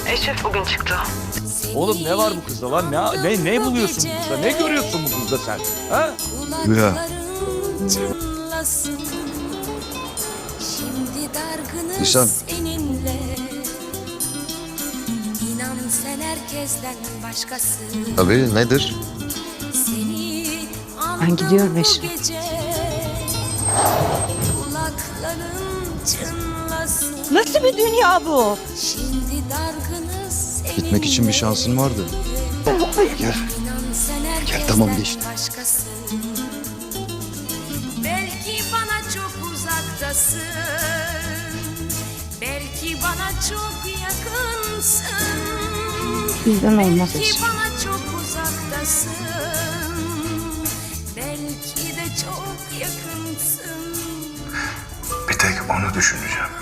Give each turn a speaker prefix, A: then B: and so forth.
A: Eşref bugün çıktı.
B: Oğlum ne var bu kızda lan? Ne buluyorsun bu kızda? Ne görüyorsun bu kızda sen? Ha?
C: Rüya.
D: Şimdi dargınız
C: Nisan.
D: seninle. İnan sen herkesten başkası.
C: Tabii nedir?
D: Seni
E: Ben gidiyorum
D: andım bu
E: Eşref.
D: gece. Kulakların çınlasın.
E: Nasıl bir dünya bu?
D: Şimdi dargınız seninle.
C: Gitmek için bir şansın vardı. Gel.
D: İnan sen herkesten
C: tamam, geçti.
D: başkası. Belki bana çok uzaktasın. Belki bana çok yakınsın.
E: Bizden olmaz
D: Belki
E: Eşref.
D: bana çok uzaktasın. Belki de çok yakınsın.
F: Bir tek onu düşüneceğim.